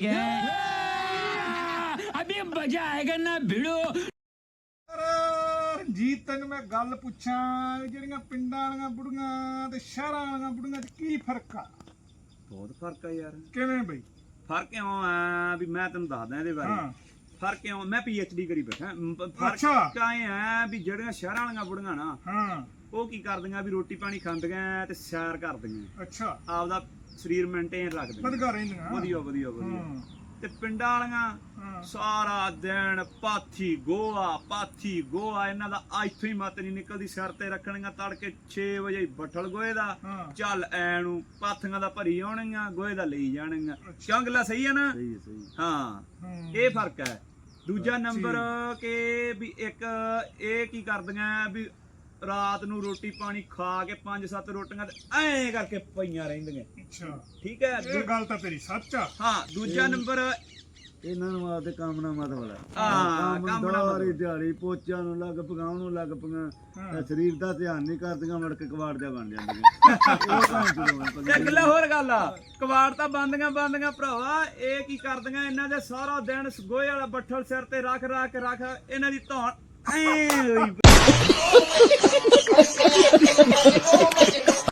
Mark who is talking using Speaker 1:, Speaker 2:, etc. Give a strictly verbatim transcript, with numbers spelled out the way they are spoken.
Speaker 1: क्या अभी मजा आएगा ना भिड़ो।
Speaker 2: ਰਣਜੀਤ ਤੈਨੂੰ ਮੈਂ ਗੱਲ ਪੁੱਛਾਂ ਜਿਹੜੀਆਂ ਪਿੰਡਾਂ ਵਾਲੀਆਂ ਬੁੜੀਆਂ ਤੇ ਸ਼ਹਿਰਾਂ ਵਾਲੀਆਂ ਬੁੜੀਆਂ 'ਚ ਕੀ ਫਰਕ ਆ?
Speaker 3: ਬਹੁਤ ਫਰਕ ਆ ਯਾਰ।
Speaker 2: ਕਿਵੇਂ ਬਈ?
Speaker 3: ਫਰਕ ਕਿਉਂ ਆ ਵੀ ਮੈਂ ਤੈਨੂੰ ਦੱਸਦਾ ਇਹਦੇ ਬਾਰੇ। ਫਰਕ ਕਿਉਂ, ਮੈਂ ਪੀ ਐਚ ਡੀ ਕਰੀ ਬੈਠਾ। ਫਰਕ ਆਏ ਆ ਵੀ ਜਿਹੜੀਆਂ ਸ਼ਹਿਰਾਂ ਵਾਲੀਆਂ ਬੁੜੀਆਂ ਨਾ, ਹਾਂ ਉਹ ਕੀ ਕਰਦੀਆਂ ਵੀ ਰੋਟੀ ਪਾਣੀ ਖਾਂਦੀਆਂ ਤੇ ਸੈਰ ਕਰਦੀਆਂ। ਅੱਛਾ, ਆਪਦਾ ਸਰੀਰ ਮੇਨਟੇਨ ਰੱਖਦੀਆਂ, ਵਧੀਆ ਰਹਿੰਦੀਆਂ, ਵਧੀਆ ਵਧੀਆ ਵਧੀਆ। ਤੇ ਪਿੰਡਾਂ ਵਾਲੀਆਂ ਸਾਰਾ ਦਿਨ ਪਾਥੀ ਗੋਆ ਪਾਥੀ ਗੋਆ, ਇਹਨਾਂ ਦਾ ਇੱਥੋਂ ਹੀ ਮਤ ਨਹੀਂ ਨਿਕਲਦੀ। ਸਿਰ ਤੇ ਰੱਖਣੀਆਂ ਤੜਕੇ ਛੇ ਵਜੇ ਬੱਠਲ ਗੋਹੇ ਦਾ, ਚੱਲ ਐ ਨੂੰ ਪਾਥੀਆਂ ਦਾ ਭਰੀ ਆਉਣਗੀਆਂ, ਗੋਹੇ ਦਾ ਲਈ ਜਾਣਗੀਆਂ। ਕਿਉਂ ਗੱਲਾਂ ਸਹੀ ਆ ਨਾ? ਹਾਂ, ਇਹ ਫਰਕ ਹੈ। ਦੂਜਾ ਨੰਬਰ ਕਿ ਵੀ ਇੱਕ ਇਹ ਕੀ ਕਰਦੀਆਂ ਵੀ ਰਾਤ ਨੂੰ ਰੋਟੀ ਪਾਣੀ ਖਾ ਕੇ ਪੰਜ ਸੱਤ ਰੋਟੀਆਂ ਤੇ ਐਂ ਕਰਕੇ ਪਈਆਂ ਰਹਿੰਦੀਆਂ। ਅੱਛਾ, ਠੀਕ ਹੈ, ਇਹ ਗੱਲ ਤਾਂ ਤੇਰੀ ਸੱਚ ਆ। ਹਾਂ, ਦੂਜਾ ਨੰਬਰ
Speaker 4: ਇਹਨਾਂ ਨੂੰ ਆਪਦੇ ਕੰਮ ਨਾਲ ਮਤਲਬ ਹੈ।
Speaker 3: ਹਾਂ,
Speaker 4: ਕੰਮ ਨਾਲ ਦਿਹਾੜੀ ਪੋਚਿਆਂ ਨੂੰ ਲੱਗ ਪਗਾਉਣ ਨੂੰ ਲੱਗ ਪਈਆਂ, ਸਰੀਰ ਦਾ ਧਿਆਨ ਨਹੀਂ ਕਰਦੀਆਂ, ਮੁੜ ਕੇ ਕਵਾੜ ਜਾ ਬਣ ਜਾਂਦੀਆਂ।
Speaker 3: ਤੇ ਅਗਲਾ ਹੋਰ ਗੱਲ ਆ, ਕਵਾੜ ਤਾਂ ਬੰਦੀਆਂ ਬੰਦੀਆਂ ਭਰਾਵਾ। ਇਹ ਕੀ ਕਰਦੀਆਂ, ਇਹਨਾਂ ਦੇ ਸਾਰਾ ਦਿਨ ਗੋਹੇ ਵਾਲਾ ਬੱਠਲ ਸਿਰ ਤੇ ਰੱਖ ਰੱਖ ਰੱਖ ਇਹਨਾਂ ਦੀ ਧੌਣ ਐ ਹੋਈ